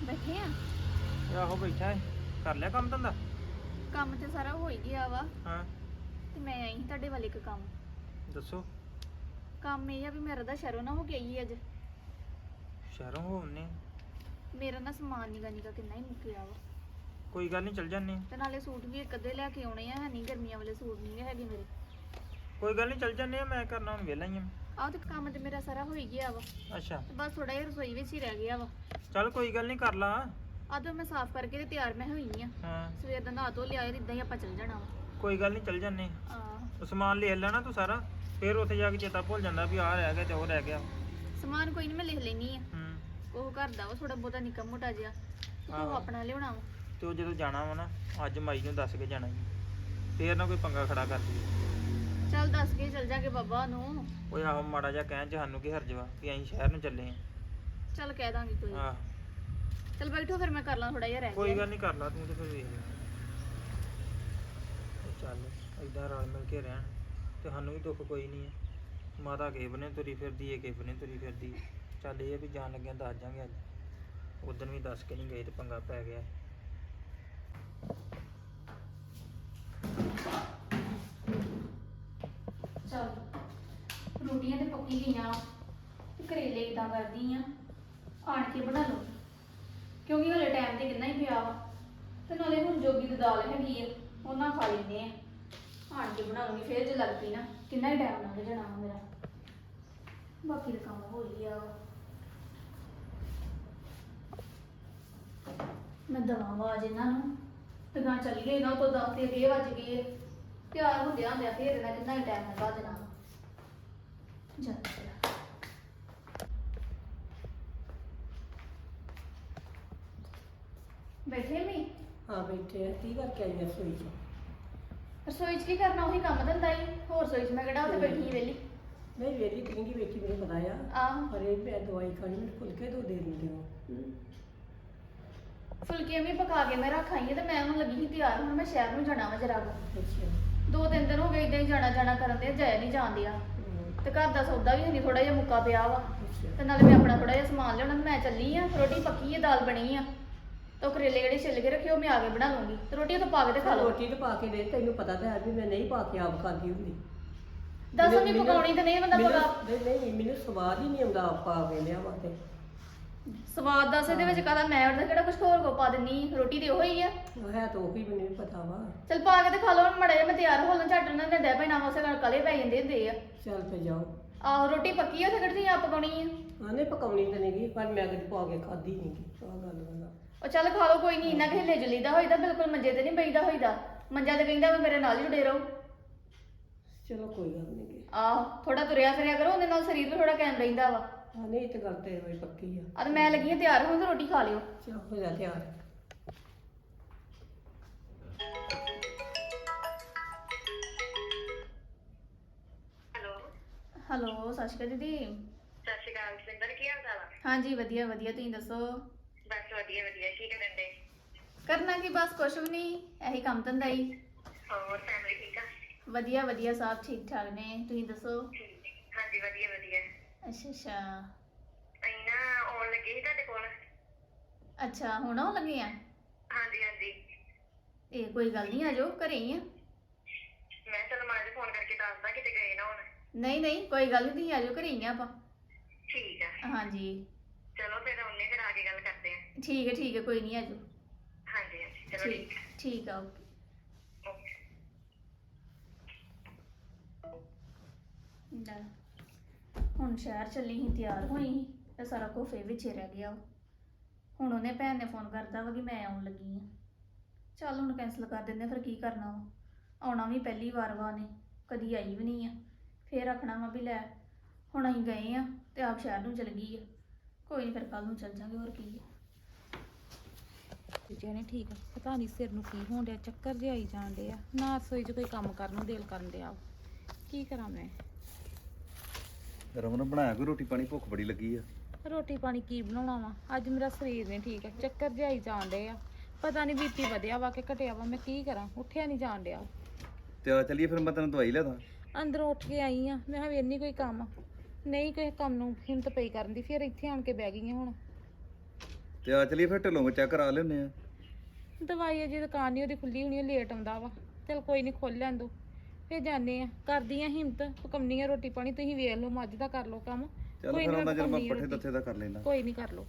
ਬੈਠੇ ਆ। ਆਹੋ ਬੈਠਾ ਹੈ। ਕਰ ਲਿਆ ਕੰਮ ਧੰਦਾ? ਕੰਮ ਤੇ ਸਾਰਾ ਹੋ ਹੀ ਗਿਆ ਵਾ ਹਾਂ ਤੇ ਮੈਂ ਆਈ ਸੀ ਤੁਹਾਡੇ ਵੱਲ ਇੱਕ ਕੰਮ। ਦੱਸੋ। ਕੰਮ ਇਹ ਆ ਵੀ ਮੇਰਾ ਤਾਂ ਸ਼ਹਿਰੋਂ ਨਾ ਹੋ ਕੇ ਆਈ ਅੱਜ। ਸ਼ਹਿਰੋਂ ਹੋਣੇ? ਮੇਰਾ ਨਾ ਸਮਾਨ ਨਿਗਾ ਨਿਗਾ ਕਿੰਨਾ ਹੀ ਮੁੱਕਿਆ ਵਾ। ਕੋਈ ਗੱਲ ਨਹੀਂ, ਚੱਲ ਜਾਂਦੇ। ਤੇ ਨਾਲੇ ਸੂਟ ਵੀ ਇੱਕ ਅੱਧੇ ਲੈ ਕੇ ਆਉਣੇ ਆ। ਹੈ ਨਹੀਂ ਗਰਮੀਆਂ ਵਾਲੇ ਸੂਟ ਨਹੀਂ ਹੈਗੇ ਮੇਰੇ। ਕੋਈ ਗੱਲ ਨਹੀਂ, ਚੱਲ ਜਾਂਦੇ ਆ। ਮੈਂ ਕਰਨਾ ਹੁਣ ਵਿਹਲਾ ਹੀ ਆ। ਆਹ ਤੇ ਕੰਮ ਤੇ ਮੇਰਾ ਸਾਰਾ ਹੋ ਹੀ ਗਿਆ ਵਾ। ਅੱਛਾ ਤੇ ਬਸ ਥੋੜਾ ਜਿਹਾ ਰਸੋਈ ਵਿੱਚ ਹੀ ਰਹਿ ਗਿਆ ਵਾ। ਚੱਲ ਕੋਈ ਗੱਲ ਨਹੀਂ, ਕਰ ਲਾ। ਆਹ ਤਾਂ ਮੈਂ ਸਾਫ਼ ਕਰਕੇ ਤੇ ਤਿਆਰ ਮੈਂ ਹੋਈ ਆ। ਹਾਂ ਸਵੇਰ ਦਾ ਨਹਾ ਧੋ ਲਿਆ ਇਦਾਂ ਹੀ ਆਪਾਂ ਚੱਲ ਜਾਣਾ ਵਾ। ਕੋਈ ਗੱਲ ਨਹੀਂ, ਚੱਲ ਜਾਂਦੇ। ਆਹ ਉਹ ਸਮਾਨ ਲੈ ਲੈਣਾ ਤੂੰ ਸਾਰਾ, ਫਿਰ ਉੱਥੇ ਜਾ ਕੇ ਚੇਤਾ ਭੁੱਲ ਜਾਂਦਾ ਵੀ ਆਹ ਰਹਿ ਗਿਆ ਤੇ ਉਹ ਰਹਿ ਗਿਆ। ਸਮਾਨ ਕੋਈ ਨਹੀਂ ਮੈਂ ਲਿਖ ਲੈਣੀ ਆ। ਹੂੰ ਉਹ ਘਰ ਦਾ ਵਾ ਥੋੜਾ ਬਹੁਤਾ ਨਿੱਕਾ ਮੋਟਾ ਜਿਹਾ। ਆਹੋ। ਉਹ ਆਪਣਾ ਲਿਆਉਣਾ ਵਾ। ਤੇ ਉਹ ਜਦੋਂ ਜਾਣਾ ਵਾ ਨਾ, ਅੱਜ ਮਾਈ ਨੂੰ ਦੱਸ ਕੇ ਜਾਣਾ ਜੀ, ਫੇਰ ਨਾ ਕੋਈ ਪੰਗਾ ਖੜਾ ਕਰ ਦਈਏ। ਚੱਲ ਦੱਸ ਕੇ ਚੱਲ ਜਾਗੇ ਬਾਬਾ ਨੂੰ। ਓਏ ਆਹੋ, ਮਾੜਾ ਜਿਹਾ ਕਹਿਣ ਚ ਸਾਨੂੰ ਕੀ ਹਰਜ ਵਾ ਵੀ ਅਸੀਂ ਸ਼ਹਿਰ ਨੂੰ ਚੱਲੇ ਚੱਲ ਕਹਿ ਦਾਂਗੀ ਕੋਈ। ਆ। ਆਹ ਚੱਲ ਬੈਠੋ ਫਿਰ ਮੈਂ ਕਰ ਲਾਂ ਥੋੜਾ ਜਿਹਾ ਰਹਿ ਕੋਈ ਗਿਆ। ਗੱਲ ਨਹੀਂ, ਕਰ ਲਾ ਤੂੰ ਤੇ ਫਿਰ ਵੇਖ ਲੈ। ਉਹ ਚੱਲ ਏਦਾਂ ਰਲ ਮਿਲ ਕੇ ਰਹਿਣ ਤੇ ਸਾਨੂੰ ਵੀ ਦੁੱਖ ਕੋਈ ਨਹੀਂ ਹੈ। ਮਾਤਾ ਕਿਸੇ ਬਨੇ ਤੁਰੀ ਫਿਰਦੀ ਏ, ਕਿਸੇ ਬਨੇ ਤੁਰੀ ਫਿਰਦੀ। ਚੱਲ ਇਹ ਆ ਵੀ ਜਾਣ ਲੱਗਿਆ ਦੱਸ ਜਾਾਂਗੇ। ਅੱਜ ਉਦਣ ਵੀ ਦੱਸ ਕੇ ਨਹੀਂ ਗਏ ਤੇ ਪੰਗਾ ਪੈ ਗਿਆ। ਚੱਲ ਰੋਟੀਆਂ ਤੇ ਪੱਕੀ ਗਈਆਂ ਤੇ ਕਰੇਲੇ ਇਦਾਂ ਕਰਦੀ ਆ ਆਣ ਕੇ ਬਣਾ ਲਓ ਕਿਉਂਕਿ ਹਲੇ ਟਾਈਮ ਤੇ ਕਿੰਨਾ ਹੀ ਪਿਆ ਵਾ ਤੇ ਨਾਲੇ ਹੁਣ ਜੋਗੀ ਦੀ ਦਾਲ ਹੈਗੀ ਆ ਉਹਨਾਂ ਖਾ ਲੈਂਦੇ ਆ। ਆਣ ਕੇ ਬਣਾ ਲੂੰਗੀ ਫਿਰ ਜੇ ਲੱਗ ਪਈ ਨਾ ਕਿੰਨਾ ਹੀ ਟਾਈਮ ਲੰਘ ਜਾਣਾ ਵਾ ਮੇਰਾ। ਬਾਕੀ ਦਾ ਕੰਮ ਹੋ ਹੀ ਗਿਆ ਵਾ। ਮੈਂ ਦਵਾਂ ਆਵਾਜ਼ ਇਹਨਾਂ ਨੂੰ ਤੇ ਗਾਂ ਚੱਲ ਗਏ ਨਾ ਤੋਂ 10 ਤੇ 20 ਵੱਜ ਗਏ। ਤਿਆਰ ਹੁੰਦਿਆਂ ਹੁੰਦਿਆਂ ਫਿਰ ਇਹਨਾਂ ਕਿੰਨਾ ਹੀ ਟਾਈਮ ਲਗਾ ਦੇਣਾ ਵਾ। ਚੱਲ ਬੈਠੇ ਮੀ ਹਾਂ ਬੈਠੇ ਆ। ਕੀ ਕਰਕੇ ਆਈ ਆ ਰਸੋਈ 'ਚ? ਰਸੋਈ 'ਚ ਕੀ ਕਰਨਾ ਉਹੀ ਕੰਮ ਧੰਦਾ ਹੀ। ਹੋਰ ਰਸੋਈ 'ਚ ਮੈਂ ਕਿਹੜਾ ਉੱਥੇ ਬੈਠੀ ਵਿਹਲੀ। ਨਹੀਂ ਵੇਲੀ ਕਿੰਨੀ ਬੈਠੀ ਮੈਨੂੰ ਪਤਾ ਆ। ਆਹੋ ਪਰ ਇਹ ਮੈਂ ਦਵਾਈ ਖਾਣੀ, ਮੈਨੂੰ ਫੁਲਕੇ ਦੋ ਦੇ ਦਿੰਦੇ ਹੋ। ਫੁਲਕੇ ਵੀ ਪਕਾ ਕੇ ਮੈਂ ਰੱਖ ਆਈ ਆ ਤੇ ਮੈਂ ਹੁਣ ਲੱਗੀ ਸੀ ਤਿਆਰ। ਹੁਣ ਮੈਂ ਸ਼ਹਿਰ ਨੂੰ ਜਾਣਾ ਵਾ ਜਰਾ ਕੁ। ਅੱਛਾ 2-3 ਦਿਨ ਹੋ ਗਏ ਏਦਾਂ ਹੀ ਜਾਣਾ ਜਾਣਾ ਕਰਨ ਦੇ ਜਾਇਆ ਨਹੀਂ ਜਾਣ ਡਿਆ ਤੇ ਘਰ ਦਾ ਸੌਦਾ ਵੀ ਨਹੀਂ ਥੋੜਾ ਜਿਹਾ ਮੁੱਕਾ ਪਿਆ ਵਾ ਤੇ ਨਾਲੇ ਮੈਂ ਆਪਣਾ ਥੋੜਾ ਜਿਹਾ ਸਮਾਨ ਲਿਆਉਣਾ ਤੇ ਮੈਂ ਚੱਲੀ ਆ। ਰੋਟੀ ਪੱਕੀ ਆ, ਦਾਲ ਬਣੀ ਆ ਤੇ ਕਰੇਲੇ ਜਿਹੜੇ ਛਿੱਲ ਕੇ ਰੱਖੇ ਉਹ ਮੈਂ ਆ ਕੇ ਬਣਾ ਲੂੰਗੀ ਤੇ ਰੋਟੀ ਤਾਂ ਪਾ ਕੇ ਤੇ ਖਾ ਲਓ। ਰੋਟੀ ਤਾਂ ਪਾ ਕੇ ਦੇ, ਤੈਨੂੰ ਪਤਾ ਤਾਂ ਹੈ ਵੀ ਮੈਂ ਨਹੀਂ ਪਾ ਕੇ ਆਪ ਖਾਂਦੀ ਹੁੰਦੀ। ਦੱਸੋ ਨਹੀਂ ਪਕਾਉਣੀ ਤੇ ਨਹੀਂ ਬੰਦਾ ਪਕਾ। ਨਹੀਂ ਮੈਨੂੰ ਸਵਾਦ ਹੀ ਨਹੀਂ ਆਉਂਦਾ ਆਪ ਪਾ ਕੇ ਲਿਆਵਾਂ ਤੇ। ਸਵਾਦ ਦੱਸ ਇਹਦੇ ਵਿੱਚ ਕਾਹਦਾ ਮੈਂ ਉਹਦਾ ਕਿਹੜਾ ਕੁਝ ਹੋਰ ਕੋ ਪਾ ਦਿੰਨੀ। ਰੋਟੀ ਤੇ ਉਹੀ ਆ। ਉਹ ਹੈ ਤਾਂ ਉਹੀ ਮੈਨੂੰ ਵੀ ਪਤਾ ਵਾ। ਚੱਲ ਪਾ ਕੇ ਤੇ ਖਾ ਲਓ। ਹੁਣ ਮੜਾ ਜਿਹਾ ਮੈਂ ਤਿਆਰ ਹੋ ਲਾਂ ਝੱਟ ਉਹਨਾਂ ਦੇ ਡੈ ਪੈਣਾ ਉਸੇ ਨਾਲ ਕਲੇ ਪੈ ਜਾਂਦੇ ਹੁੰਦੇ ਆ। ਚੱਲ ਤੇ ਜਾਓ। ਆਹੋ ਰੋਟੀ ਪੱਕੀ ਆ ਤੇ ਕਿਹੜੀ ਆਪ ਪਕਾਉਣੀ ਆ। ਹਾਂ ਨਹੀਂ ਪਕਾਉਣੀ ਤਾਂ ਨਹੀਂ ਗਈ ਪਰ ਮੈਂ ਕਦੇ ਪਾ ਕੇ ਖਾਧੀ ਨਹੀਂ ਗੀ। ਆਹ ਗੱਲ ਵਾ। ਉਹ ਚੱਲ ਖਾ ਲਓ ਕੋਈ ਨਹੀਂ। ਇੰਨਾ ਕਿ ਹਿੱਲੇ ਜੁਲੀਦਾ ਹੋਈਦਾ, ਬਿਲਕੁਲ ਮੰਜੇ ਤੇ ਨਹੀਂ ਬਈਦਾ ਹੋਈਦਾ। ਮੰਜਾ ਤੇ ਕਹਿੰਦਾ ਵੀ ਮੇਰੇ ਨਾਲ ਹੀ ਜੁੜੇ ਰਹੋ। ਚਲੋ ਕੋਈ ਗੱਲ ਨਹੀਂ ਗੀ। ਆਹੋ ਥੋੜਾ ਤੁਰਿਆ ਫਿਰਿਆ ਕਰੋ, ਉਹਦੇ ਨਾਲ ਸਰੀਰ ਵੀ ਥੋੜਾ ਕਾਇਮ ਰਹਿੰਦਾ ਵਾ। ਹਾਂ ਨਹੀਂ ਇਹ ਤਾਂ ਗੱਲ ਤੇ ਹੋਈ ਪੱਕੀ ਆ। ਆ ਤੇ ਮੈਂ ਲੱਗੀ ਆ ਤਿਆਰ ਹੋਣ ਤੇ ਰੋਟੀ ਖਾ ਲਿਓ। ਚਲ ਹੋ ਜਾ ਤਿਆਰ। ਹੈਲੋ ਸਤਿ ਸ਼੍ਰੀ ਅਕਾਲ ਦੀਦੀ। ਸਤਿ ਸ਼੍ਰੀ ਅਕਾਲ ਸਿੰਦਰ, ਕੀ ਹਾਲ ਚਾਲ ਆ? ਹਾਂਜੀ ਵਧੀਆ ਵਧੀਆ, ਤੁਸੀਂ ਦੱਸੋ? ਬਸ ਵਧੀਆ ਵਧੀਆ। ਕੀ ਕਰਨ ਦੇ? ਕਰਨਾ ਕੀ, ਬਸ ਕੁਛ ਵੀ ਨਹੀਂ, ਇਹੀ ਕੰਮ ਧੰਦਾ ਹੀ। ਹੋਰ ਫੈਮਿਲੀ ਠੀਕ ਆ? ਵਧੀਆ ਵਧੀਆ, ਸਭ ਠੀਕ ਠਾਕ ਨੇ, ਤੁਸੀਂ ਦੱਸੋ? ਹਾਂਜੀ ਵਧੀਆ ਵਧੀਆ। ਅੱਛਾ ਅੱਛਾ। ਅਸੀਂ ਨਾ ਆਉਣ ਲੱਗੇ ਸੀ ਤੁਹਾਡੇ ਕੋਲ। ਅੱਛਾ ਹੁਣ ਆਉਣ ਲੱਗੇ ਆ? ਹਾਂਜੀ ਹਾਂਜੀ। ਇਹ ਕੋਈ ਗੱਲ ਨਹੀਂ, ਆ ਜਾਓ, ਘਰੇ ਹੀ ਆ। ਮੈਂ ਚਲ ਮਾਂ ਜੀ ਫੋਨ ਕਰਕੇ ਦੱਸਦਾ ਕਿਤੇ ਗਏ ਨਾ ਹੁਣ। ਨਹੀਂ ਨਹੀਂ ਕੋਈ ਗੱਲ ਨਹੀਂ, ਤੁਸੀਂ ਆ ਜਾਓ, ਘਰੇ ਹੀ ਆ ਆਪਾਂ। ਠੀਕ ਆ। ਹਾਂਜੀ ਚਲੋ ਫਿਰ ਆਉਣੇ, ਫਿਰ ਆ ਕੇ ਗੱਲ ਕਰਦੇ ਆ। ਠੀਕ ਹੈ ਕੋਈ ਨਹੀਂ, ਆ ਜਾਓ। ਹਾਂਜੀ ਹਾਂਜੀ ਚਲੋ ਠੀਕ ਆ। ਠੀਕ ਆ, ਓਕੇ। ਓਕੇ। ਲੈ, ਹੁਣ ਸ਼ਹਿਰ ਚੱਲੀ ਸੀ, ਤਿਆਰ ਹੋਈ ਸੀ ਤੇ ਸਾਰਾ ਕੁਝ ਫੇਰ ਵਿੱਚ ਹੀ ਰਹਿ ਗਿਆ ਵਾ। ਹੁਣ ਉਹਨੇ ਭੈਣ ਨੇ ਫੋਨ ਕਰਤਾ ਵਾ ਕਿ ਮੈਂ ਆਉਣ ਲੱਗੀ ਆ। ਚੱਲ ਹੁਣ ਕੈਂਸਲ ਕਰ ਦਿੰਦੇ, ਫਿਰ ਕੀ ਕਰਨਾ ਵਾ। ਆਉਣਾ ਵੀ ਪਹਿਲੀ ਵਾਰ ਵਾ ਨੇ, ਕਦੀ ਆਈ ਵੀ ਨਹੀਂ ਆ। ਫੇਰ ਆਖਣਾ ਵਾ ਵੀ ਲੈ ਹੁਣ ਅਸੀਂ ਗਏ ਆ ਤੇ ਆਪ ਸ਼ਹਿਰ ਨੂੰ ਚਲ ਗਈ ਆ। ਕੋਈ ਨਹੀਂ, ਫਿਰ ਕੱਲ ਨੂੰ ਚੱਲ ਜਾਂਗੇ, ਹੋਰ ਕੀ ਆ। ਦੂਜਿਆਂ ਨੇ ਠੀਕ ਆ, ਪਤਾ ਨਹੀਂ ਸਿਰ ਨੂੰ ਕੀ ਹੋਣ ਡਿਆ, ਚੱਕਰ ਜਿਹਾ ਆਈ ਜਾਣ ਡਿਆ। ਨਾ ਰਸੋਈ 'ਚ ਕੋਈ ਕੰਮ ਕਰਨ ਨੂੰ ਦਿਲ ਕਰਨ ਡਿਆ। ਕੀ ਕਰਾਂ ਮੈਂ? ਰਮਨ ਬਣਾਇਆ ਕੋਈ ਰੋਟੀ ਪਾਣੀ? ਭੁੱਖ ਬੜੀ ਲੱਗੀ ਆ। ਰੋਟੀ ਪਾਣੀ ਕੀ ਬਣਾਉਣਾ ਵਾ? ਅੱਜ ਮੇਰਾ ਸਰੀਰ ਨਹੀਂ ਠੀਕ ਆ, ਚੱਕਰ ਜਿਹਾ ਆਈ ਜਾਣ ਡਿਆ। ਪਤਾ ਨਹੀਂ ਬੀਪੀ ਵਧਿਆ ਵਾ ਕਿ ਘਟਿਆ ਵਾ, ਮੈਂ ਕੀ ਕਰਾਂ? ਉੱਠਿਆ ਨਹੀਂ ਜਾਣ ਡਿਆ। ਤੇ ਆ ਚੱਲੀਏ ਫਿਰ, ਮੈਂ ਤੈਨੂੰ ਦਵਾਈ ਲਿਆ ਦਾਂ। ਅੰਦਰੋਂ ਉੱਠ ਕੇ ਆਈ ਆ, ਮੈਂ ਕਿਹਾ ਵੀ ਇੰਨੀ ਕੋਈ ਕੰਮ ਨਹੀਂ, ਕਿਸੇ ਕੰਮ ਨੂੰ ਹਿੰਮਤ ਪਈ ਕਰਨ ਦੀ। ਫਿਰ ਇੱਥੇ ਆਣ ਕੇ ਬਹਿ ਗਈ ਆ ਹੁਣ। ਤੇ ਆ ਚਲੀਏ ਫਿਰ ਢਿੱਲੋਂ ਚੈੱਕ ਕਰਾ ਲੈਨੇ ਆ। ਦਵਾਈ ਅਜੇ ਦੁਕਾਨ ਨਹੀਂ ਉਹਦੀ ਖੁੱਲੀ ਹੋਣੀ, ਲੇਟ ਆਉਂਦਾ ਵਾ। ਚਲ ਕੋਈ ਨਹੀਂ, ਖੋਲ ਲੈਣ ਦੋ, ਫਿਰ ਜਾਂਦੇ ਆ। ਕਰਦੀ ਆ ਹਿੰਮਤ, ਪਕਾਉਣੀ ਆ ਰੋਟੀ ਪਾਣੀ। ਤੁਸੀਂ ਵੇਖ ਲਓ, ਮੱਝ ਦਾ ਕਰ ਲਓ ਕੰਮ। ਚੱਲ ਕੋਈ ਫਿਰ ਨੀ, ਉਹਨਾਂ ਚਿਰ ਮੈਂ ਪਕਾਉਂਦੀ ਆ ਪੱਠੇ ਰੋਟੀ। ਦੱਥੇ ਦਾ ਕਰ ਲੈਣਾ। ਕੋਈ ਨਹੀਂ, ਕਰ ਲਓ।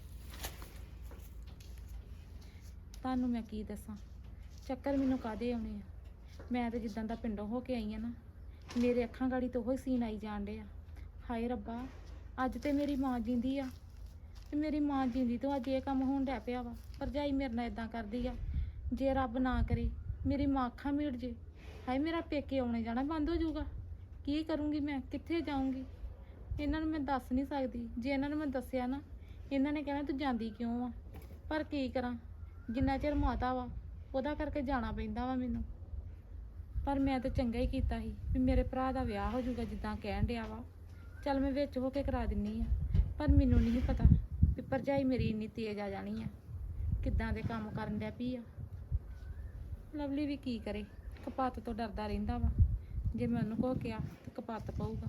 ਤੁਹਾਨੂੰ ਮੈਂ ਕੀ ਦੱਸਾਂ, ਚੱਕਰ ਮੈਨੂੰ ਕਾਹਦੇ ਆਉਣੇ ਆ। ਮੈਂ ਤਾਂ ਜਿੱਦਾਂ ਦਾ ਪਿੰਡੋਂ ਹੋ ਕੇ ਆਈ ਆ ਨਾ, ਮੇਰੇ ਅੱਖਾਂ ਗਾੜੀ ਤੋਂ ਉਹ ਸੀਨ ਆਈ ਜਾਣ ਡੇ ਆ। ਹਾਏ ਰੱਬਾ, ਅੱਜ ਤੇ ਮੇਰੀ ਮਾਂ ਜਿੰਦੀ ਆ, ਤੇ ਮੇਰੀ ਮਾਂ ਜਿੰਦੀ ਤੋਂ ਅੱਜ ਇਹ ਕੰਮ ਹੋਣ ਡਿਆ ਪਿਆ ਵਾ। ਭਰਜਾਈ ਮੇਰੇ ਨਾਲ ਇਦਾਂ ਕਰਦੀ ਆ, ਜੇ ਰੱਬ ਨਾ ਕਰੇ ਮੇਰੀ ਮਾਂ ਅੱਖਾਂ ਮੀਟ ਜੇ, ਹਾਏ ਮੇਰਾ ਪੇਕੇ ਆਉਣੇ ਜਾਣਾ ਬੰਦ ਹੋ ਜਾਊਗਾ। ਕੀ ਕਰੂੰਗੀ ਮੈਂ, ਕਿੱਥੇ ਜਾਊਂਗੀ? ਇਹਨਾਂ ਨੂੰ ਮੈਂ ਦੱਸ ਨਹੀਂ ਸਕਦੀ। ਜੇ ਇਹਨਾਂ ਨੂੰ ਮੈਂ ਦੱਸਿਆ ਨਾ, ਇਹਨਾਂ ਨੇ ਕਹਿਣਾ ਤੂੰ ਜਾਂਦੀ ਕਿਉਂ ਆ। ਪਰ ਕੀ ਕਰਾਂ, ਜਿੰਨਾ ਚਿਰ ਮਾਤਾ ਵਾ ਉਹਦਾ ਕਰਕੇ ਜਾਣਾ ਪੈਂਦਾ ਵਾ ਮੈਨੂੰ। ਪਰ ਮੈਂ ਤਾਂ ਚੰਗਾ ਹੀ ਕੀਤਾ ਸੀ ਵੀ ਮੇਰੇ ਭਰਾ ਦਾ ਵਿਆਹ ਹੋ ਜਾਊਗਾ ਜਿੱਦਾਂ ਕਹਿਣ ਡਿਆ ਵਾ। ਚੱਲ ਮੈਂ ਵਿੱਚ ਹੋ ਕੇ ਕਰਾ ਦਿੰਨੀ ਆ। ਪਰ ਮੈਨੂੰ ਨਹੀਂ ਪਤਾ ਵੀ ਭਰਜਾਈ ਮੇਰੀ ਇੰਨੀ ਤੇਜ਼ ਆ ਜਾਣੀ ਆ, ਕਿੱਦਾਂ ਦੇ ਕੰਮ ਕਰਨ ਡਿਆ ਪਈ ਆ। ਲਵਲੀ ਵੀ ਕੀ ਕਰੇ, ਕਪੱਤ ਤੋਂ ਡਰਦਾ ਰਹਿੰਦਾ ਵਾ। ਜੇ ਮੈਂ ਉਹਨੂੰ ਕੋ ਕਿਹਾ ਤਾਂ ਕਪੱਤ ਪਊਗਾ।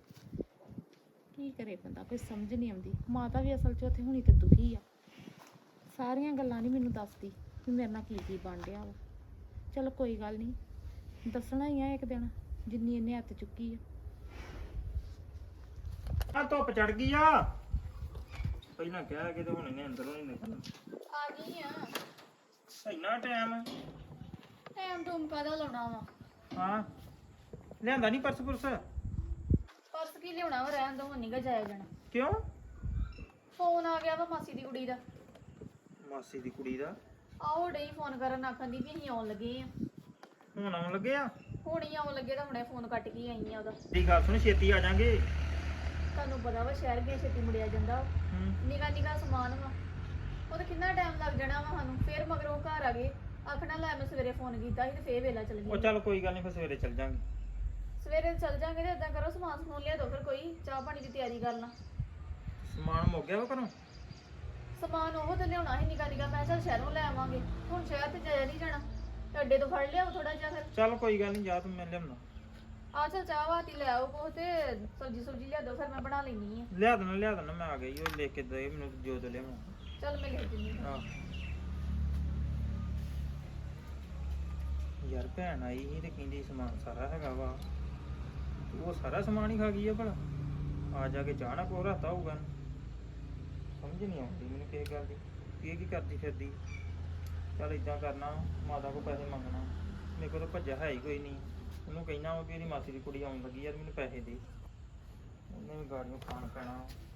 ਕੀ ਕਰੇ ਬੰਦਾ, ਕੋਈ ਸਮਝ ਨਹੀਂ ਆਉਂਦੀ। ਮਾਤਾ ਵੀ ਅਸਲ 'ਚ ਉੱਥੇ ਹੁਣੀ ਤੇ ਦੁਖੀ ਆ, ਸਾਰੀਆਂ ਗੱਲਾਂ ਨਹੀਂ ਮੈਨੂੰ ਦੱਸਦੀ ਵੀ ਮੇਰੇ ਨਾਲ ਕੀ ਕੀ ਬਣ ਰਿਹਾ ਵਾ। ਚਲੋ ਕੋਈ ਗੱਲ ਨਹੀਂ, ਦੱਸਣਾ ਹੀ ਆ ਇੱਕ ਦਿਨ, ਜਿੰਨੀ ਇਹਨੇ ਹੱਥ ਚੁੱਕੀ ਆ। ਆ ਧੁੱਪ ਚੜ ਗਈ ਆ। ਪਹਿਲਾਂ ਕਹਿ ਕੇ ਤੇ ਹੁਣ ਇਹਨੇ ਅੰਦਰੋਂ ਨਹੀਂ ਨਿਕਲਣਾ। ਆ ਗਈ ਆ। ਇੰਨਾ ਟਾਈਮ ਟਾਈਮ ਟੂਮ ਕਾਹਦਾ ਲਾਉਣਾ ਵਾ? ਹਾਂ, ਲਿਆਂਦਾ ਨਹੀਂ ਪਰਸ ਪੁਰਸ? ਪਰਸ ਕੀ ਲਿਆਉਣਾ ਵਾ, ਰਹਿਣ ਦੋ, ਹੁਣ ਨੀ ਗਾ ਜਾਇਆ ਜਾਣਾ। ਕਿਉਂ? ਫੋਨ ਆ ਗਿਆ ਵਾ ਮਾਸੀ ਦੀ ਕੁੜੀ ਦਾ। ਮਾਸੀ ਦੀ ਕੁੜੀ ਦਾ? ਆਓ ਡਈ ਫੋਨ ਕਰਨ, ਆਖਣ ਦੀ ਵੀ ਅਸੀਂ ਆਉਣ ਲੱਗੇ ਆ। ਹੁਣ ਆਉਣ ਲੱਗੇ ਆ? ਹੁਣ ਹੀ ਆਉਣ ਲੱਗੇ ਤਾਂ ਹੁਣੇ ਫੋਨ ਕੱਟ ਕੇ ਆਈ ਆ ਉਹਦਾ। ਦੀ ਗੱਲ ਸੁਣ, ਛੇਤੀ ਆ ਜਾਾਂਗੇ। ਤੁਹਾਨੂੰ ਪਤਾ ਵਾ ਸ਼ਹਿਰ ਗਿਆ ਛੇਤੀ ਮੁੜਿਆ ਜਾਂਦਾ। ਨਿੱਕਾ ਨਿੱਕਾ ਸਮਾਨ ਵਾ, ਉਹਦਾ ਕਿੰਨਾ ਟਾਈਮ ਲੱਗ ਜਾਣਾ ਵਾ ਸਾਨੂੰ। ਫੇਰ ਮਗਰੋਂ ਘਰ ਆ ਗਏ, ਆਖਣਾ ਲੈ ਮੈਂ ਸਵੇਰੇ ਫੋਨ ਕੀਤਾ ਸੀ ਤੇ ਫੇਰ ਵੇਲਾ ਚੱਲ ਉਹ ਗਈ। ਚੱਲ ਕੋਈ ਗੱਲ ਨਹੀਂ, ਫਿਰ ਸਵੇਰੇ ਚੱਲ ਜਾਾਂਗੇ। ਸਵੇਰੇ ਚੱਲ ਜਾਾਂਗੇ ਤੇ ਏਦਾਂ ਕਰੋ, ਸਮਾਨ ਸਮੂਨ ਲਿਆ ਦੋ, ਫਿਰ ਕੋਈ ਚਾਹ ਪਾਣੀ ਦੀ ਤਿਆਰੀ ਕਰ ਲਾਂ। ਸਮਾਨ ਮੁੱਕ ਗਿਆ ਵਾ ਘਰੋਂ? ਸਮਾਨ ਉਹ ਤੇ ਲਿਆਉਣਾ ਸੀ ਨਿੱਕਾ ਨਿੱਕਾ, ਮੈਂ ਚੱਲ ਸ਼ਹਿਰੋਂ ਲੈ ਆਵਾਂਗੇ। ਹੁਣ ਸ਼ਹਿਰ ਤੇ ਜਾਇਆ ਨਹੀਂ ਜਾਣਾ, ਤੇ ਅੱਡੇ ਤੋਂ ਫੜ ਲਿਆਓ ਥੋੜਾ ਜਿਹਾ। ਫਿਰ ਚੱਲ ਕੋਈ ਗੱਲ ਨਹੀਂ, ਜਾ ਤੂੰ, ਮੈਂ ਲਿਆਉਣਾ। ਆ ਚੱਲ ਚਾਹ ਵਾਤੀ ਲੈ ਆਓ ਕੋ, ਤੇ ਸਬਜੀ ਸੁਬਜੀ ਲਿਆ ਦੋ, ਫਿਰ ਮੈਂ ਬਣਾ ਲੈਣੀ ਆ। ਲਿਆ ਦੇਣਾ, ਮੈਂ ਆ ਗਈ। ਉਹ ਲੈ ਕੇ ਦੇ ਮੈਨੂੰ ਜੋ ਤੋਂ ਲਿਆਵਾਂ। ਚੱਲ ਮੈਂ ਲੈ ਦਿੰਦੀ ਹਾਂ। ਆਹ ਯਾਰ ਭੈਣ ਆਈ ਸੀ ਤੇ ਕਹਿੰਦੀ ਸਮਾਨ ਸਾਰਾ ਹੈਗਾ ਵਾ। ਉਹ ਸਾਰਾ ਸਮਾਨ ਹੀ ਖਾ ਗਈ ਆ ਭਲਾ। ਆ ਜਾ ਕੇ ਚਾਹ ਨਾ ਕੋ ਰਾਤਾ ਹੋਊਗਾ। ਸਮਝ ਨਹੀਂ ਆਉਂਦੀ ਮੈਨੂੰ ਕਿਸੇ ਗੱਲ ਦੀ, ਕੀ ਕਰਦੀ ਫਿਰਦੀ। ਚੱਲ ਇਦਾਂ ਕਰਨਾ, ਮਾਤਾ ਕੋ ਪੈਸੇ ਮੰਗਣਾ। ਮੇਰੇ ਕੋਲ ਤਾਂ ਭੱਜਿਆ ਹੈ ਹੀ ਕੋਈ ਨਹੀਂ। ਉਹਨੂੰ ਕਹਿਣਾ ਵਾ ਵੀ ਇਹਦੀ ਮਾਸੀ ਦੀ ਕੁੜੀ ਆਉਣ ਲੱਗੀ ਯਾਰ, ਮੈਨੂੰ ਪੈਸੇ ਦੇ। ਉਹਨੇ ਵੀ ਗਾੜੀਆਂ ਖਾਣ ਪੈਣਾ।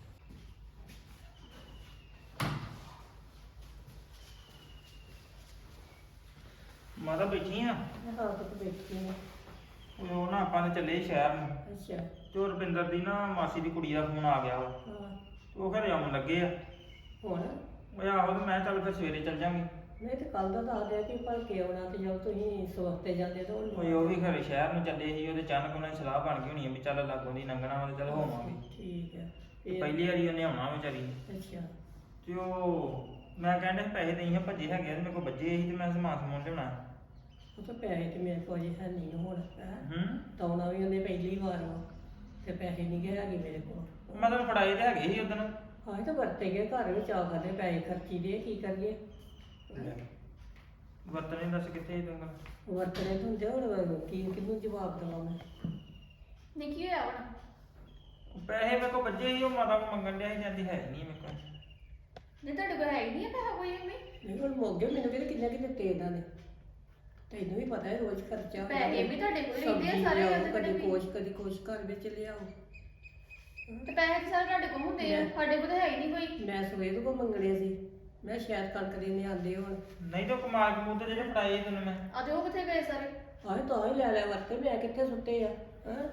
ਮਾਤਾ ਬੈਠੀ ਆ? ਮੈਂ ਤਾਂ ਆਪ ਬੈਠੀ ਆ। ਉਹ ਨਾ ਆਪਾਂ ਨੇ ਚੱਲੇ ਸ਼ਹਿਰ ਨੂੰ, ਅੱਛਾ। ਤੇ ਉਹ ਰੁਪਿੰਦਰ ਦੀ ਨਾ ਮਾਸੀ ਦੀ ਕੁੜੀ ਦਾ ਫੋਨ ਆ ਗਿਆ ਵਾ। ਹਾਂ। ਤੇ ਉਹ ਘਰੇ ਆਉਣ ਲੱਗੇ ਆ। ਹੁਣ ਉਹ ਆਹੋ, ਤੇ ਮੈਂ ਚੱਲ ਫਿਰ ਸਵੇਰੇ ਚੱਲ ਜਾਾਂਗੇ। ਮੈਂ ਤੇ ਕੱਲ ਦਾ ਦੱਸ ਦਿਆ ਕਿ ਭਲ ਕੇ ਆਉਣਾ, ਤੇ ਜਦ ਤੁਸੀਂ ਸਵਖਤੇ ਜਾਂਦੇ ਤਾਂ ਉਹ ਵੀ ਘਰੇ ਸ਼ਹਿਰ ਨੂੰ ਚੱਲੇ ਸੀ। ਉਹਦੇ ਅਚਾਨਕ ਉਹਨਾਂ ਦੀ ਸਲਾਹ ਬਣ ਗਈ ਹੋਣੀ ਆ ਵੀ ਚੱਲ ਲਾਗੋਂ ਦੀ ਲੰਘਣਾ ਵਾ, ਤੇ ਚੱਲ ਹੋਵਾਂਗੇ। ਠੀਕ ਹੈ। ਤੇ ਪਹਿਲੀ ਵਾਰੀ ਉਹਨੇ ਆਉਣਾ ਵਿਚਾਰੀ ਨੇ। ਅੱਛਾ। ਤੇ ਉਹ ਮੈਂ ਕਹਿੰਦਾ ਪੈਸੇ ਦੇਈ ਹਾਂ, ਭੱਜੇ ਹੈਗੇ ਆ ਤੇ ਮੇਰੇ ਕੋਲ ਬੱਜੇ ਸੀ, ਤੇ ਮੈਂ ਸਮਾਨ ਸਮੂਨ ਲਿਆਉਣਾ। ਉਹ ਤਾਂ ਪੈਸੇ ਤੇ ਮੇਰੇ ਕੋਲ ਜੇ ਹੈ ਨਹੀਂ ਹੁਣ। ਹੂੰ, ਤਾਂ ਆਉਣਾ ਵੀ ਉਹਨੇ ਪਹਿਲੀ ਵਾਰ ਵਾ, ਤੇ ਪੈਸੇ ਨਹੀਂ ਗਏ ਹੈਗੇ ਮੇਰੇ ਕੋਲ। ਮੈਂ ਤੈਨੂੰ ਫੜਾਏ ਤੇ ਹੈਗੇ ਸੀ ਉਦੋਂ। ਹਾਂ, ਇਹ ਤਾਂ ਵਰਤੇ ਗਏ, ਘਰ ਵਿੱਚ ਆ ਕਰਦੇ ਪੈਸੇ ਖਰਚੀ ਦੇ, ਕੀ ਕਰੀਏ। ਵਰਤਣੇ ਦੱਸ ਕਿੱਥੇ ਤੂੰ? ਵਰਤਣੇ ਤੋਂ ਹੁੰਦੇ, ਹੁਣ ਕਿਹਨੂੰ ਜਵਾਬ ਦੇਵਾਂ ਮੈਂ। ਨਹੀਂ ਕੀ ਹੋਇਆ ਹੁਣ? ਪੈਸੇ ਮੇਰੇ ਕੋਲ ਬੱਜੇ ਸੀ, ਉਹ ਮਾਤਾ ਕੋਲ ਮੰਗਣ ਡਿਆ ਸੀ, ਜਾਂਦੀ ਹੈ ਨਹੀਂ ਮੇਰੇ ਕੋਲ। ਨਹੀਂ ਤੁਹਾਡੇ ਕੋਲ ਹੈ ਹੀ ਨਹੀਂ ਪੈਸਾ ਕੋਈ ਵੀ? ਨਹੀਂ ਹੁਣ ਮੁੱਕ ਗਏ, ਮੈਨੂੰ ਕਿਹਦੇ ਕਿੰਨੇ ਕਿ ਦਿੱਤੇ ਇਹਨਾਂ ਨੇ। ਤੈਨੂੰ ਵੀ ਪਤਾ ਹੈ ਰੋਜ਼ ਖਰਚਾ। ਪੈਸੇ ਵੀ ਤੁਹਾਡੇ ਕੋਲ ਰਹਿੰਦੇ ਆ ਸਬਜ਼ੀ ਸਾਰੇ, ਲਿਆਓ, ਉਹਦੇ ਕਦੀ ਕੋਲ ਕੁਛ ਕਦੀ ਕੁਛ ਘਰ ਵਿੱਚ ਲਿਆਓ। ਤੇ ਪੈਸੇ ਤਾਂ ਸਾਰੇ ਤੁਹਾਡੇ ਕੋਲ ਹੁੰਦੇ ਆ, ਸਾਡੇ ਕੋਲ ਤਾਂ ਹੈ ਹੀ ਨਹੀਂ ਕੋਈ। ਮੈਂ ਸਵੇਰ ਕੋ ਮੰਗਣੇ ਸੀ, ਮੈਂ ਸ਼ਾਇਦ ਕਣਕ ਦੇਣੇ ਆਂਦੇ ਹੁਣ। ਨਹੀਂ ਤਾਂ ਕਮਾਲ ਕਮੂਲ ਤੇ ਜਿਹੜੇ ਫੜਾਏ ਤੈਨੂੰ ਮੈਂ। ਆ ਤੇ ਉਹ ਕਿੱਥੇ ਗਏ ਸਾਰੇ? ਆਹ ਤਾਂ ਹੀ ਲੈ ਲੈ ਵਰਤੇ, ਮੈਂ ਕਿੱਥੇ ਸੁੱਤੇ ਆ। ਹਾਂ,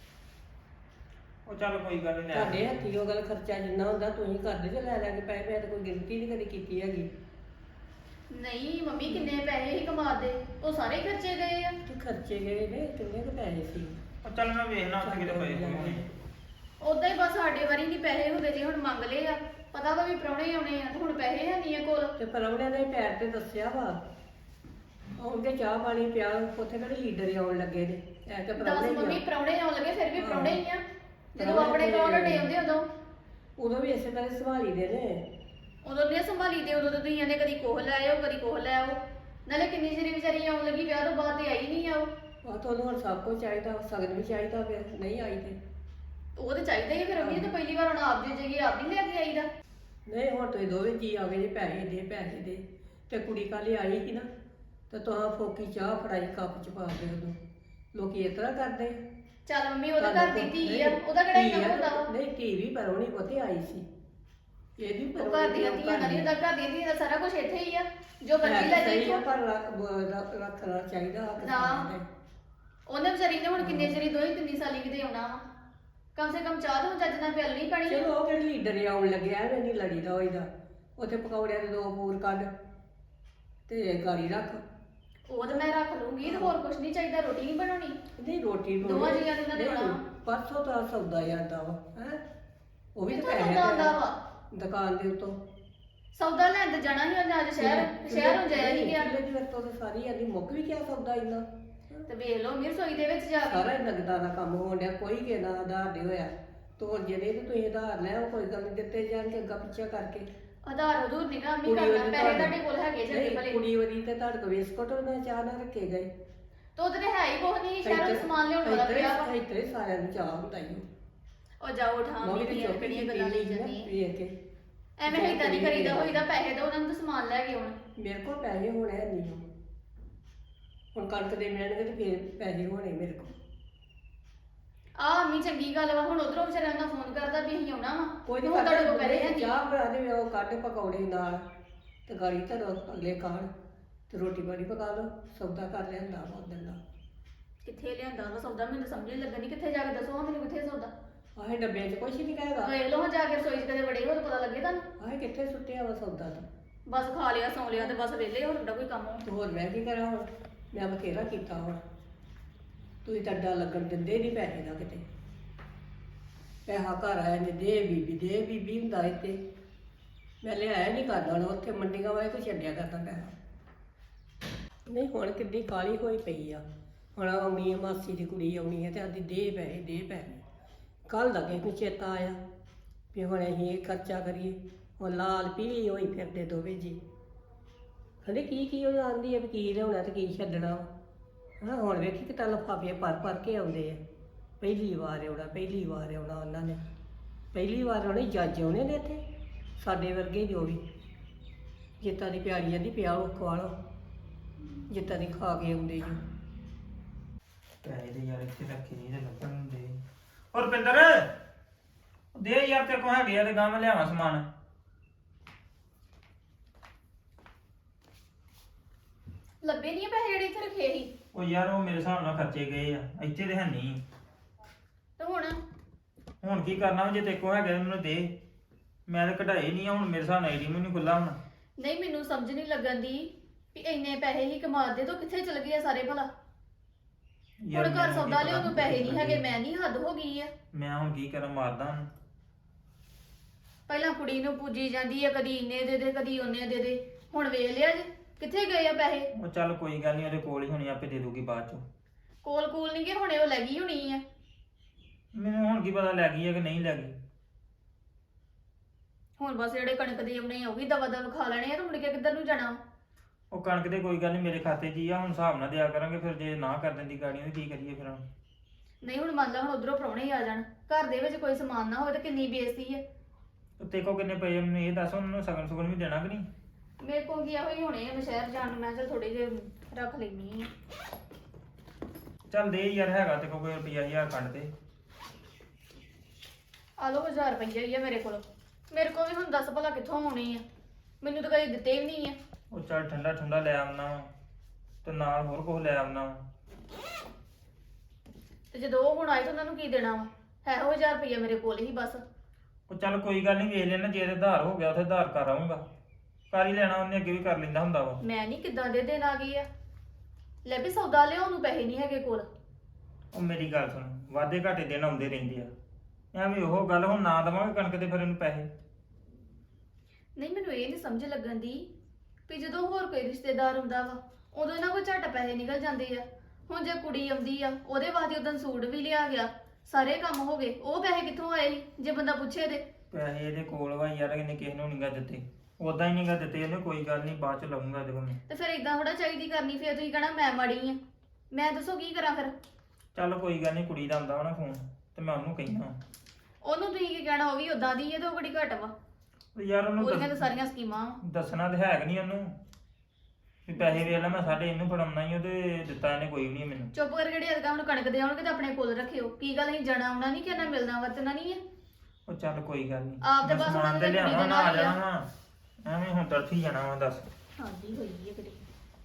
ਉਹ ਚੱਲ ਕੋਈ ਗੱਲ ਨਹੀਂ, ਲੈ ਤੁਹਾਡੇ ਹੱਥੀ ਉਹ ਗੱਲ ਖਰਚਾ ਜਿੰਨਾ ਹੁੰਦਾ ਤੁਸੀਂ ਕਰਦੇ ਜੇ ਲੈ ਲੈ ਕੇ ਪੈਸੇ। ਮੈਂ ਤਾਂ ਕੋਈ ਗਿਣਤੀ ਨਹੀਂ ਕਦੀ ਕੀਤੀ ਹੈਗੀ। ਨਹੀਂ ਮੰਮੀ, ਕਿੰਨੇ ਪੈਸੇ ਹੀ ਕਮਾਦੇ, ਉਹ ਸਾਰੇ ਖਰਚੇ ਗਏ ਆ। ਤੇ ਖਰਚੇ ਗਏ ਨੇ, ਕਿੰਨੇ ਕੁ ਪੈਸੇ ਸੀ। ਉਹ ਚੱਲ ਮੈਂ ਵੇਖਣਾ ਉੱਥੇ ਕਿਤੇ ਪਏ ਹੋਣਗੇ। ਉਦਾਂ ਹੀ ਬਸ ਸਾਡੇ ਵਾਰੀ ਨਹੀਂ ਪੈਸੇ ਹੁੰਦੇ, ਜੇ ਹੁਣ ਮੰਗ ਲਏ ਆ, ਪਤਾ ਵਾ ਵੀ ਪ੍ਰਾਹੁਣੇ ਆਉਣੇ ਆ, ਤੇ ਹੁਣ ਪੈਸੇ ਹੈ ਨਹੀਂ ਆ ਕੋਲ। ਤੇ ਪਰੌਣਿਆਂ ਨੇ ਪੈਰ ਤੇ ਦੱਸਿਆ ਵਾ, ਆਉਣਗੇ ਚਾਹ ਪਾਣੀ ਪਿਆ, ਉੱਥੇ ਕਿਹੜੇ ਲੀਡਰ ਆਉਣ ਲੱਗੇ ਨੇ। ਐ ਤੇ ਦੱਸ ਪਰੌਣੇ ਮੰਮੀ, ਹੀ ਪ੍ਰਾਹੁਣੇ ਆਉਣ ਲੱਗੇ, ਫਿਰ ਵੀ ਹਾਂ। ਪ੍ਰਾਹੁਣੇ ਹੀ ਆ। ਜਦੋਂ ਪ੍ਰਾਹੁਣੇ ਆਪਣੇ ਤੇ- ਕੋਲ ਡੇ ਆਉਂਦੇ ਉਦੋਂ ਉਦੋਂ ਵੀ ਇਸੇ ਤਰ੍ਹਾਂ ਸੰਭਾਲੀ ਦੇ ਨੇ। ਉਦੋਂ ਨਹੀਂ ਸੰਭਾਲੀ ਤੇ ਉਦੋਂ ਤਾਂ ਤੁਸੀਂ ਇਹਨੇ ਕਦੀ ਕੋਹ ਲੈ ਆਓ ਕਦੀ ਕੋਹ ਲੈ ਆਓ। ਨਾਲੇ ਕਿੰਨੀ ਜਿਹੜੀ ਵਿਚਾਰੀ ਆਉਣ ਲੱਗੀ ਵਿਆਹ ਤੋਂ ਬਾਅਦ ਤੇ ਆਈ ਨਹੀਂ ਆ ਉਹ ਤਾਂ ਉਹਨੂੰ ਹੁਣ ਸਭ ਕੁਝ ਚਾਹੀਦਾ, ਸਗਨ ਵੀ ਚਾਹੀਦਾ, ਫਿਰ ਨਹੀਂ ਆਈ ਤੇ ਉਹ ਤਾਂ ਚਾਹੀਦਾ ਹੀ ਫਿਰ ਅਮੀ ਤਾਂ ਪਹਿਲੀ ਵਾਰ ਹੁਣ ਆਪ ਦੇ ਜਗੀ ਆਪ ਨਹੀਂ ਲੈ ਕੇ ਆਈਦਾ। ਨਹੀਂ ਹੁਣ ਤੁਸੀਂ ਦੋਵੇਂ ਜੀ ਆ ਗਏ ਜੇ ਪੈਸੇ ਦੇ ਤੇ ਕੁੜੀ ਕੱਲ੍ਹ ਆਈ ਸੀ ਨਾ ਤੇ ਤੁਹਾਂ ਫੋਕੀ ਚਾਹ ਫੜਾਈ ਕੱਪ ਚ ਪਾ ਕੇ ਉਹਨੂੰ। ਲੋਕੀ ਇਸ ਤਰ੍ਹਾਂ ਕਰਦੇ ਆ। ਚੱਲ ਮੰਮੀ ਉਹਦੇ ਘਰ ਦੀ ਧੀ ਆ, ਉਹਦਾ ਕਿਹੜਾ ਇੰਨਾ ਹੁੰਦਾ ਵਾ। ਨਹੀਂ ਧੀ ਵੀ ਪਰੋਣੀ ਪੁੱਤੇ ਆਈ ਸੀ, ਇਹਦੀ ਉਹ ਘਰ ਦੀਆਂ ਧੀਆਂ ਦਾ ਨਹੀਂ ਹੁੰਦਾ, ਘਰ ਦੀਆਂ ਧੀਆਂ ਦਾ ਸਾਰਾ ਕੁਝ ਇੱਥੇ ਹੀ ਆ, ਜੋ ਮਰਜ਼ੀ ਲੈ ਜਾਈਓ। ਪਰ ਰੱਖਣਾ ਚਾਹੀਦਾ ਹੱਕ ਨਾ। ਸਾਰਿਆਂ ਦਾ। ਉਹਨੇ ਵਿਚਾਰੀ ਨੇ ਹੁਣ ਕਿੰਨੇ ਚਿਰ 2-3 ਸਾਲੀ ਕਿਤੇ ਆਉਣਾ ਵਾ, ਕਮ ਸੇ ਕਮ ਚਾਹ ਤੋਂ ਚੱਜ ਨਾਲ ਪਿਆਲਣੀ ਪੈਣੀ। ਚਲੋ ਉਹ ਕਿਹੜੇ ਲੀਡਰ ਆਉਣ ਲੱਗਿਆ ਐਵੇਂ ਨਹੀਂ ਲੜੀਦਾ ਹੋਈਦਾ। ਉੱਥੇ ਪਕੌੜਿਆਂ ਦੇ 2 ਪੂਰ ਕੱਢ ਤੇ ਗਾੜੀ ਰੱਖ। ਉਹ ਤਾਂ ਮੈਂ ਰੱਖ ਲੂੰਗੀ ਤੇ ਹੋਰ ਕੁਝ ਨਹੀਂ ਚਾਹੀਦਾ, ਰੋਟੀ ਨਹੀਂ ਬਣਾਉਣੀ। ਨਹੀਂ ਰੋਟੀ ਨੂੰ ਦੋਵਾਂ ਜੀਆਂ ਦੇ ਨਾਲ ਨਹੀਂ, ਦੇਣਾ। ਪਰਸੋਂ ਤਾਂ ਸੌਦਾ ਜਾਂਦਾ ਵਾ ਹੈ, ਉਹ ਵੀ ਤਾਂ ਕਿੱਥੋਂ ਪੈਸੇ ਸੌਦਾ ਆਉਂਦਾ ਵਾ? ਦੁਕਾਨ ਦੇ ਉੱਤੋਂ। ਸੌਦਾ ਲੈਣ ਤੇ ਜਾਣਾ ਹੀ ਅੱਜ ਸ਼ਹਿਰ ਨੂੰ ਜਾਇਆ ਨਹੀਂ ਗਿਆ। ਕਿੱਲੇ ਦੀ ਵਰਤੋਂ ਤਾਂ ਸਾਰੀ ਆਦੀ ਮੁੱਕ ਵੀ ਗਿਆ ਸੌਦਾ ਇੰਨਾ। ਤੇ ਵੇਖ ਲਓ ਮੇਰੀ ਰਸੋਈ ਦੇ ਵਿੱਚ ਜਾ ਕੇ ਸਾਰਾ ਹੀ ਨਗਦਾਂ ਦਾ ਕੰਮ ਹੋਣ ਡਿਆ, ਕੋਈ ਕਿਸੇ ਨਾਲ ਆਧਾਰ ਨਹੀਂ ਹੋਇਆ। ਤੋਰ ਜਿਹੜੇ ਤੇ ਤੁਸੀਂ ਆਧਾਰ ਲੈ ਉਹ ਕੋਈ ਗੱਲ ਨਹੀਂ, ਦਿੱਤੇ ਜਾਣਗੇ ਅੱਗਾ ਪਿੱਛਾ ਕਰਕੇ। ਆਧਾਰ ਹਦੂਰ ਨਹੀਂ ਨਾ ਕੁੜੀ ਕਰਨਾ, ਵਾਲੀ ਪੈਸੇ ਤੁਹਾਡੇ ਕੋਲ ਹੈਗੇ ਚੰਗੇ ਨਹੀਂ, ਭਲੇ। ਕੁੜੀ ਵਾਲੀ ਤੇ ਤੁਹਾਡੇ ਕੋਲ ਬਿਸਕੁਟ ਉਹਨਾਂ ਚਾਹ ਨਾ ਰੱਖੇ ਗਏ। ਤੋ ਉਹਦੇ ਹੈ ਹੀ ਕੁਛ ਨਹੀਂ, ਸ਼ਹਿਰੋਂ ਸਮਾਨ ਲਿਆਉਣ ਵਾਲਾ ਪਿਆ ਵਾ। ਇੱਥੇ ਸਾਰਿਆਂ ਨੂੰ ਚਾਹ ਹੁੰਦਾ ਹੀ। ਉਹ ਜਾਓ ਠਾਂ ਮੰਮੀ ਵੀ ਦੀ ਚੁੱਪ ਕਿਹੜੀਆਂ ਹੀ ਗੱਲਾਂ ਲਈ ਵੇਖ ਜਾਂਦੀ ਕੇ ਐਵੇਂ ਏਦਾਂ ਨਹੀਂ ਕਰੀਦਾ ਹੋਈਦਾ, ਪੈਸੇ ਦੋ ਉਹਨਾਂ ਨੂੰ ਤਾਂ ਸਮਾਨ ਲੈ ਕੇ ਆਉਣ। ਮੇਰੇ ਕੋਲ ਪੈਸੇ ਹੋਣੇ ਨਹੀਂ। ਹੁਣ ਕਣਕ ਦੇ ਮਿਲਣਗੇ ਤੇ ਫਿਰ ਪੈਸੇ ਹੋਣੇ ਮੇਰੇ ਕੋਲ। ਆ ਅੰਮੀ ਚੰਗੀ ਗੱਲ ਵਾ, ਹੁਣ ਉਧਰੋਂ ਵਿਚਾਰਿਆਂ ਦਾ ਫੋਨ ਕਰਦਾ ਵੀ ਅਸੀਂ ਆਉਣਾ ਵਾ। ਕੋਈ ਹੁਣ ਤੁਹਾਡੇ ਕੋਲ ਪੈਸੇ ਹੈ ਨਹੀਂ। ਚਾਹ ਬਣਾ ਦੇ ਉਹ ਕੱਢ ਪਕੌੜੇ ਨਾਲ ਤੇ ਗਾੜੀ ਧਰੋ ਅਗਲੇ ਖਾਣ ਤੇ ਰੋਟੀ ਪਾਣੀ ਪਕਾ ਲਓ। ਸੌਦਾ ਕਰ ਲਿਆਂਦਾ ਵਾ ਉਦਣ ਦਾ। ਕਿੱਥੇ ਲਿਆਂਦਾ ਵਾ ਸੌਦਾ, ਮੈਨੂੰ ਸਮਝ ਨਹੀਂ ਲੱਗਣੀ। ਕਿੱਥੇ ਜਾ ਕੇ ਦੱਸੋ ਮੈਨੂੰ ਕਿੱਥੇ ਸੌਦਾ। ਆਹੇ ਡੱਬੇ 'ਚ ਕੁਛ ਨਹੀਂ ਕਹੇਗਾ। ਵੇਖ ਲਓ ਜਾ ਕੇ ਰਸੋਈ 'ਚ ਕਦੇ ਵੜੇ ਹੋ ਤਾਂ ਪਤਾ ਲੱਗੇ ਤੁਹਾਨੂੰ। ਆਹੇ ਕਿੱਥੇ ਸੁੱਟਿਆ ਵਾ ਸੌਦਾ ਤਾਂ। ਬਸ ਖਾ ਲਿਆ ਸੌਂ ਲਿਆ ਤੇ ਬਸ ਵਿਹਲੇ ਹੋ ਤੁਹਾਡਾ ਕੋਈ ਕੰਮ ਹੋ। ਤੇ ਹੋਰ ਮੈਂ ਕੀ ਕਰਾਂ ਹੁਣ, ਮੈਂ ਬਥੇਰਾ ਕੀਤਾ ਹੁਣ। ਤੁਸੀਂ ਤਾਂ ਅੱਡਾ ਲੱਗਣ ਦਿੰਦੇ ਨਹੀਂ ਪੈਸੇ ਦਾ ਕਿਤੇ। ਪੈਸਾ ਘਰ ਆਇਆ ਨੇ ਦੇ ਬੀਬੀ ਹੁੰਦਾ ਇੱਥੇ। ਮੈਂ ਲਿਆਇਆ ਨਹੀਂ ਕਰਦਾ ਹੁਣ, ਉੱਥੇ ਮੰਡੀਆਂ ਵਾਲੇ ਕੋ ਛੱਡਿਆ ਕਰਦਾ ਪੈਸਾ। ਨਹੀਂ ਹੁਣ ਕਿੱਡੀ ਕਾਲੀ ਹੋਈ ਪਈ ਆ। ਹੁਣ ਆਉਣੀ ਹੈ ਮਾਸੀ ਦੀ ਕੁੜੀ ਆਉਣੀ ਹੈ ਤੇ ਆਦੀ ਦੇ ਪੈਸੇ। ਕੱਲ ਦਾ ਕਿਸੇ ਨੂੰ ਚੇਤਾ ਆਇਆ ਵੀ ਹੁਣ ਅਸੀਂ ਇਹ ਖਰਚਾ ਕਰੀਏ। ਹੁਣ ਲਾਲ ਪੀਲੀ ਹੋਈ ਫਿਰਦੇ ਦੋਵੇਂ ਜੀ। ਕਹਿੰਦੇ ਕੀ ਉਹ ਜਾਣਦੀ ਹੈ ਵੀ ਕੀ ਲਿਆਉਣਾ ਤੇ ਕੀ ਛੱਡਣਾ। ਹਾਂ ਹੁਣ ਵੇਖੀ ਕਿਤਾ ਲਿਫਾਫੇ ਭਰ ਕੇ ਆਉਂਦੇ ਆ। ਪਹਿਲੀ ਵਾਰ ਆਉਣਾ ਉਹਨਾਂ ਨੇ। ਪਹਿਲੀ ਵਾਰ ਆਉਣੇ ਜੱਜ ਆਉਣੇ ਨੇ ਇੱਥੇ ਸਾਡੇ ਵਰਗੇ ਜੋ ਵੀ। ਜਿੱਤਾਂ ਦੀ ਪਿਆਰੀ ਜਾਂਦੀ ਪਿਆ ਉਹ ਖਵਾ ਲਓ, ਜਿੱਤਾਂ ਦੀ ਖਾ ਕੇ ਆਉਂਦੇ ਜੋ। ਪੈਸੇ ਦੇ ਯਾਰ ਇੱਥੇ ਰੱਖੇ ਨਹੀਂ ਤੇ ਲੱਭਣ ਹੁੰਦੇ। ਹੋਰ ਪਿੰਦਰ ਦੇ ਯਾਰ ਤੇ ਕੋ ਹੈਗੇ ਆ ਤੇ ਗਾਂ ਮੈਂ ਲਿਆਵਾਂ ਸਮਾਨ। ਲੱਭੇ ਨਹੀਂ ਪੈਸੇ ਜਿਹੜੇ ਇੱਥੇ ਰੱਖੇ ਸੀ। ਉਹ ਯਾਰ ਉਹ ਮੇਰੇ ਹਿਸਾਬ ਨਾਲ ਖਰਚੇ ਗਏ ਆ, ਇੱਥੇ ਤੇ ਹੈ ਨਹੀਂ। ਤੇ ਹੁਣ ਕੀ ਕਰਨਾ ਵਾ, ਜੇ ਤੇ ਕੋ ਹੈਗੇ ਤਾਂ ਮੈਨੂੰ ਦੇ। ਮੈਂ ਤਾਂ ਕਢਾਏ ਨਹੀਂ ਆ, ਹੁਣ ਮੇਰੇ ਹਿਸਾਬ ਨਾਲ ਏਟੀਐਮ ਨਹੀਂ ਖੁੱਲਾ ਹੁਣ। ਨਹੀਂ ਮੈਨੂੰ ਸਮਝ ਨਹੀਂ ਲੱਗਣ ਦੀ ਵੀ ਇੰਨੇ ਪੈਸੇ ਹੀ ਕਮਾਦੇ ਤੋਂ ਕਿੱਥੇ ਚਲ ਗਏ ਆ ਸਾਰੇ ਭਲਾ। ਯਾਰ ਹੁਣ ਘਰ ਮੈਨੂੰ ਸੌਦਾ ਕੀ ਲਿਆਉਣ ਨੂੰ ਪਤਾ ਪੈਸੇ ਨਹੀਂ ਕਿੱਥੇ ਹੈਗੇ, ਮੈਂ ਨਹੀਂ ਹੱਦ ਹੋ ਗਈ ਆ। ਮੈਂ ਹੁਣ ਕੀ ਕਰਾਂ, ਮਾਰਦਾ ਉਹਨੂੰ। ਪਹਿਲਾਂ ਕੁੜੀ ਨੂੰ ਪੂਜੀ ਜਾਂਦੀ ਆ, ਕਦੀ ਇੰਨੇ ਦੇ ਦੇ ਕਦੀ ਉਹਨੇ ਦੇ ਦੇ। ਹੁਣ ਵੇਖ ਲਿਆ ਜੀ ਕਿੱਥੇ ਗਏ ਆ ਪੈਸੇ। ਉਹ ਚੱਲ ਕੋਈ ਗੱਲ ਨਹੀਂ, ਉਹਦੇ ਕੋਲ ਹੀ ਹੋਣੀ, ਆਪੇ ਦੇ ਦੂਗੀ ਬਾਅਦ ਚੋਂ। ਕੋਲ ਨਹੀਂ ਗਏ ਹੁਣੇ, ਉਹ ਲੈ ਗਈ ਹੋਣੀ ਆ। ਮੈਨੂੰ ਹੁਣ ਕੀ ਪਤਾ ਲੈ ਗਈ ਹੈ ਕਿ ਨਹੀਂ ਲੈ ਗਈ। ਹੁਣ ਬਸ ਜਿਹੜੇ ਕਣਕ ਦੇ ਆਉਣੇ ਆ ਉਹ ਵੀ ਦਵਾ ਦਵ ਖਾ ਲੈਣੇ ਆ ਤੇ ਮੁੜ ਕੇ ਕਿੱਧਰ ਨੂੰ ਜਾਣਾ। ਉਹ ਕਣਕ ਦੇ ਕੋਈ ਗੱਲ ਨਹੀਂ, ਮੇਰੇ ਖਾਤੇ 'ਚ ਹੀ ਆ, ਹੁਣ ਹਿਸਾਬ ਨਾਲ ਦਿਆ ਕਰਾਂਗੇ। ਫਿਰ ਜੇ ਨਾ ਕਰ ਦਿੰਦੀ ਗਾੜੀਆਂ ਤੇ ਕੀ ਕਰੀਏ ਫਿਰ ਹੁਣ। ਨਹੀਂ ਹੁਣ ਮੰਨ ਲਾ ਹੁਣ ਉਧਰੋਂ ਪ੍ਰਾਹੁਣੇ ਹੀ ਆ ਜਾਣ, ਘਰ ਦੇ ਵਿੱਚ ਕੋਈ ਸਮਾਨ ਨਾ ਹੋਵੇ ਤਾਂ ਕਿੰਨੀ ਬੇਇੱਜ਼ਤੀ ਹੈ। ਤੇ ਕੋ ਕਿੰਨੇ ਪਏ ਆ ਮੈਨੂੰ ਇਹ ਦੱਸ, ਉਹਨਾਂ ਨੂੰ ਸਗਨ ਸੁਗਨ ਵੀ ਦੇਣਾ ਕਿ ਨਹੀਂ। ਮੇਰੇ ਕੋਲ ਗਿਆ ਹੋਈ ਹੋਣੇ ਆ, ਮੈਂ ਸ਼ਹਿਰ ਜਾਣ ਨੂੰ ਮੈਂ ਚਲ ਥੋੜੇ ਜਿਹੇ ਰੱਖ ਲੈਣੀ ਆ। ਚੱਲ ਦੇ ਯਾਰ, ਹੈਗਾ ਤੇ ਕੋਈ ਰੁਪਈਆ 1000 ਕੱਢ ਦੇ। ਆ ਲਓ 1000 ਰੁਪਈਆ ਹੀ ਆ ਮੇਰੇ ਕੋਲ ਵੀ ਹੁਣ ਦੱਸ ਭਲਾ ਕਿੱਥੋਂ ਆਉਣੀ ਆ, ਮੈਨੂੰ ਤਾਂ ਕਦੇ ਦਿੱਤੇ ਵੀ ਨਹੀਂ ਆ। ਉਹ ਚੱਲ ਠੰਡਾ ਠੰਡਾ ਲੈ ਆਉਣਾ ਵਾ ਤੇ ਨਾਲ ਹੋਰ ਕੁਝ ਲੈ ਆਉਣਾ ਵਾ। ਤੇ ਜਦੋਂ ਉਹ ਹੁਣ ਆਏ ਤਾਂ ਉਹਨਾਂ ਨੂੰ ਕੀ ਦੇਣਾ ਵਾ, ਹੈ ਉਹ 1000 ਰੁਪਈਆ ਮੇਰੇ ਕੋਲ ਹੀ ਬਸ। ਉਹ ਚੱਲ ਕੋਈ ਗੱਲ ਨਹੀਂ, ਵੇਖ ਲੈਣਾ, ਜੇ ਤੇ ਆਧਾਰ ਹੋ ਗਿਆ ਉੱਥੇ ਆਧਾਰ ਕਰ ਆਊਂਗਾ। ਕਰ ਹੀ ਲੈਣਾ, ਉਹਨੇ ਅੱਗੇ ਵੀ ਕਰ ਲੈਂਦਾ ਹੁੰਦਾ ਵਾ। ਮੈਂ ਨਹੀਂ ਕਿੱਦਾਂ ਦੇ ਦਿਨ ਆ ਗਈ ਆ, ਲੈ ਵੀ ਸੌਦਾ ਲਿਆਉਣ ਨੂੰ ਪੈਸੇ ਨਹੀਂ ਹੈਗੇ ਕੋਲ। ਉਹ ਮੇਰੀ ਗੱਲ ਸੁਣ, ਵਾਧੇ ਘਾਟੇ ਦਿਨ ਆਉਂਦੇ ਰਹਿੰਦੇ ਆ, ਐਵੇਂ ਉਹ ਗੱਲ। ਹੁਣ ਨਾ ਦੇਵਾਂਗੇ ਕਣਕ ਦੇ ਫਿਰ ਇਹਨੂੰ ਪੈਸੇ। ਨਹੀਂ ਮੈਨੂੰ ਇਹ ਨਹੀਂ ਸਮਝ ਲੱਗਣ ਦੀ ਵੀ ਜਦੋਂ ਹੋਰ ਕੋਈ ਰਿਸ਼ਤੇਦਾਰ ਹੁੰਦਾ ਵਾ ਉਦੋਂ ਇਹਨਾਂ ਕੋਲ ਝੱਟ ਪੈਸੇ ਨਿਕਲ ਜਾਂਦੇ ਆ। ਹੁਣ ਜੇ ਕੁੜੀ ਆਉਂਦੀ ਆ ਉਹਦੇ ਵਾਸਤੇ ਉਦੋਂ ਸੂਟ ਵੀ ਲਿਆ ਗਿਆ, ਸਾਰੇ ਕੰਮ ਹੋ ਗਏ, ਉਹ ਪੈਸੇ ਕਿੱਥੋਂ ਆਏ ਸੀ ਜੇ ਬੰਦਾ ਪੁੱਛੇ ਤੇ। ਪੈਸੇ ਇਹਦੇ ਕੋਲ ਵਾ ਯਾਰ, ਇਹਨੇ ਕਿਸੇ ਨੂੰ ਨੀਗਾ ਦਿੱਤੇ। ਉਦਾਂ ਹੀ ਨਹੀਂ ਗਾ ਦਿੱਤੇ ਇਹਨੇ, ਕੋਈ ਗੱਲ ਨਹੀਂ ਬਾਅਦ ਚ ਲਵਾਂਗਾ ਇਹਦੇ ਕੋਲ ਮੈਂ। ਤੇ ਫਿਰ ਇਦਾਂ ਥੋੜਾ ਚਾਹੀਦੀ ਕਰਨੀ, ਫਿਰ ਤੁਸੀਂ ਕਹਿਣਾ ਮੈਂ ਮਾੜੀ ਆ। ਮੈਂ ਦੱਸੋ ਕੀ ਕਰਾਂ ਫਿਰ? ਚੱਲ ਕੋਈ ਗੱਲ ਨਹੀਂ, ਕੁੜੀ ਦਾ ਆਉਂਦਾ ਵਾ ਨਾ ਫੋਨ ਤੇ ਮੈਂ ਉਹਨੂੰ ਕਹਿਣਾ। ਉਹਨੂੰ ਤੁਸੀਂ ਕੀ ਕਹਿਣਾ, ਉਹ ਵੀ ਉਦਾਂ ਦੀ ਹੈ ਤੇ ਉਹ ਬੜੀ ਘੱਟ ਵਾ। ਯਾਰ ਉਹਨੂੰ ਉਹਦੀਆਂ ਤਾਂ ਸਾਰੀਆਂ ਸਕੀਮਾਂ ਵਾ। ਦੱਸਣਾ ਤੇ ਹੈ ਕਿ ਨਹੀਂ ਉਹਨੂੰ ਵੀ ਪੈਸੇ ਵੇਖ ਲੈ ਮੈਂ ਸਾਡੇ ਇਹਨੂੰ ਫੜਾਉਣਾ ਹੀ, ਉਹਦੇ ਦਿੱਤਾ ਇਹਨੇ ਕੋਈ ਵੀ ਨਹੀਂ ਮੈਨੂੰ। ਚੁੱਪ ਕਰਕੇ ਜਿਹੜੀ ਅਦਕਾ ਹੁਣ ਕਣਕ ਦੇ ਆਉਣਗੇ ਤਾਂ ਆਪਣੇ ਕੋਲ ਰੱਖਿਓ। ਕੀ ਗੱਲ ਅਸੀਂ ਜਾਣਾ ਆਉਣਾ ਨਹੀਂ, ਕਿਹਨਾਂ ਮਿਲਣਾ ਵਰਤਣਾ ਨਹੀਂ ਹੈ। ਉਹ ਚੱਲ ਕੋਈ ਗੱਲ ਨਹੀਂ, ਆਪ ਤੇ ਬਸ ਸਮਾਨ ਉਹਨਾਂ ਤੇ ਦੇ ਲਿਆਵਾਂ ਕੁੜੀ ਦੇ ਨਾ ਆ ਨਾਲ ਹੀ ਆ। ਜਾਣਾ ਵਾ, ਐਵੇਂ ਹੁਣ ਤੜਫੀ ਜਾਣਾ ਵਾ ਦੱਸ। ਹਾਂਜੀ ਹੋਈ ਹੈ ਕਿਤੇ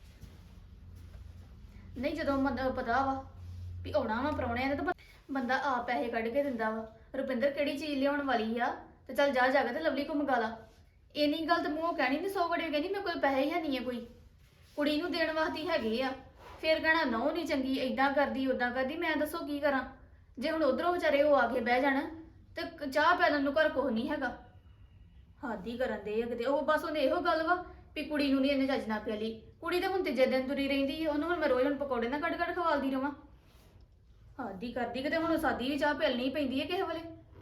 ਨਹੀਂ, ਜਦੋਂ ਪਤਾ ਵਾ ਵੀ ਆਉਣਾ ਵਾ ਪ੍ਰਾਹੁਣਿਆਂ ਨੇ ਤਾਂ ਬੰਦਾ ਆਪ ਪੈਸੇ ਕੱਢ ਕੇ ਦਿੰਦਾ ਵਾ। ਰੁਪਿੰਦਰ ਕਿਹੜੀ ਚੀਜ਼ ਲਿਆਉਣ ਵਾਲੀ ਆ ਤੇ ਚੱਲ ਜਾ ਜਾ ਕੇ ਤੇ ਲਵਲੀ ਕੋ ਮੰਗਾ ਲਾ। ਇੰਨੀ ਗੱਲ ਤੇ ਮੂੰਹੋਂ ਕਹਿਣੀ ਨਹੀਂ, 100 ਵੜੇ ਕਹਿੰਦੀ ਮੇਰੇ ਕੋਲ ਪੈਸੇ ਹੀ ਹੈ ਨਹੀਂ ਆ, ਕੋਈ ਕੁੜੀ ਨੂੰ ਦੇਣ ਵਾਸਤੇ ਹੈਗੇ ਆ। ਫਿਰ ਕਹਿਣਾ ਨਹੁੰ ਨਹੀਂ ਚੰਗੀ, ਏਦਾਂ ਕਰਦੀ ਉਦਾਂ ਕਰਦੀ। ਮੈਂ ਦੱਸੋ ਕੀ ਕਰਾਂ? ਜੇ ਹੁਣ ਉਧਰੋਂ ਵਿਚਾਰੇ ਉਹ ਆ ਕੇ ਬਹਿ ਜਾਣ ਤੇ ਚਾਹ ਪੈਣ ਨੂੰ ਘਰ ਕੁਛ ਨਹੀਂ ਹੈਗਾ। ਹੱਦ ਹੀ ਕਰਨ ਦੇ ਆ ਕਿਤੇ। ਉਹ ਬਸ ਉਹਨੇ ਇਹੋ ਗੱਲ ਵਾ ਵੀ ਕੁੜੀ ਨੂੰ ਨਹੀਂ ਇਹਨੇ ਚੱਜ ਨਾ ਪਿਆਲੀ। ਕੁੜੀ ਤਾਂ ਹੁਣ ਤੀਜੇ ਦਿਨ ਤੁਰੀ ਰਹਿੰਦੀ ਹੈ, ਉਹਨੂੰ ਹੁਣ ਮੈਂ ਰੋਜ਼ ਹੁਣ ਪਕੌੜੇ ਨਾ ਕੱਢ ਕੱਢ ਖਵਾਲਦੀ ਰਵਾਂ। ਹੱਦ ਹੀ ਕਰਦੀ ਕਿਤੇ। ਹੁਣ ਸਾਦੀ ਵੀ ਚਾਹ ਪਿਆਲਣੀ ਪੈਂਦੀ ਹੈ ਕਿਸੇ ਵੇਲੇ।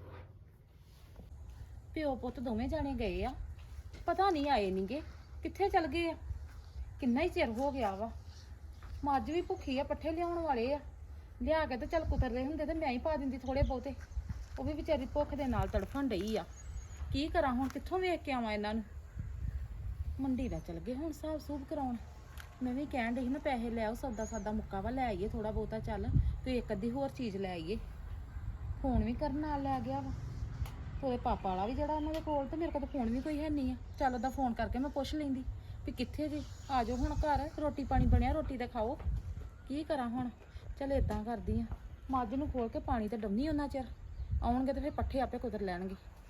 ਪਿਓ ਪੁੱਤ ਦੋਵੇਂ ਜਾਣੇ ਗਏ ਆ, ਪਤਾ ਨਹੀਂ ਆਏ ਨਹੀਂਗੇ, ਕਿੱਥੇ ਚਲ ਗਏ ਆ। ਕਿੰਨਾ ਹੀ ਚਿਰ ਹੋ ਗਿਆ ਵਾ। ਮੱਝ ਵੀ ਭੁੱਖੀ ਆ, ਪੱਠੇ ਲਿਆਉਣ ਵਾਲੇ ਆ, ਲਿਆ ਕੇ ਤੇ ਚੱਲ ਕੁਤਰਦੇ ਹੁੰਦੇ ਤੇ ਮੈਂ ਹੀ ਪਾ ਦਿੰਦੀ ਥੋੜੇ ਬਹੁਤੇ। ਉਹ ਵੀ ਵਿਚਾਰੀ ਭੁੱਖ ਦੇ ਨਾਲ ਤੜਫਣ ਡਈ ਆ। ਕੀ ਕਰਾਂ ਹੁਣ, ਕਿੱਥੋਂ ਵੇਖ ਕੇ ਆਵਾਂ ਇਹਨਾਂ ਨੂੰ? ਮੰਡੀ ਦਾ ਚਲ ਗਏ ਹੁਣ ਹਿਸਾਬ ਸੂਬ ਕਰਾਉਣ। ਮੈਂ ਵੀ ਕਹਿਣ ਡਈ ਸੀ ਨਾ ਪੈਸੇ ਲੈ ਆਓ, ਸੌਦਾ ਸਾਦਾ ਮੁੱਕਾ ਵਾ, ਲੈ ਆਈਏ ਥੋੜਾ ਬਹੁਤਾ। ਚੱਲ ਤੇ ਇੱਕ ਅੱਧੀ ਹੋਰ ਚੀਜ਼ ਲੈ ਆਈਏ। ਫੋਨ ਵੀ ਕਰਨ ਨਾਲ ਲੈ ਗਿਆ ਵਾ ਉਹਦੇ ਪਾਪਾ ਵਾਲਾ ਵੀ ਜਿਹੜਾ ਉਹਨਾਂ ਦੇ ਕੋਲ, ਤੇ ਮੇਰੇ ਕੋਲ ਤਾਂ ਫੋਨ ਵੀ ਕੋਈ ਹੈ ਨਹੀਂ ਆ। ਚੱਲ ਉਹਦਾ ਫੋਨ ਕਰਕੇ ਮੈਂ ਪੁੱਛ ਲੈਂਦੀ ਵੀ ਕਿੱਥੇ ਜੀ, ਆ ਜਾਓ ਹੁਣ ਘਰ, ਰੋਟੀ ਪਾਣੀ ਬਣਿਆ, ਰੋਟੀ ਤਾਂ ਖਾਓ। ਕੀ ਕਰਾਂ ਹੁਣ? ਚੱਲ ਇਦਾਂ ਕਰਦੀ ਆ, ਮੱਝ ਨੂੰ ਖੋਲ ਕੇ ਪਾਣੀ ਤੇ ਡੰਮੀ ਉਹਨਾਂ ਚਿਰ, ਆਉਣਗੇ ਤੇ ਫਿਰ ਪੱਠੇ ਆਪੇ ਕੁਤਰ ਲੈਣਗੇ।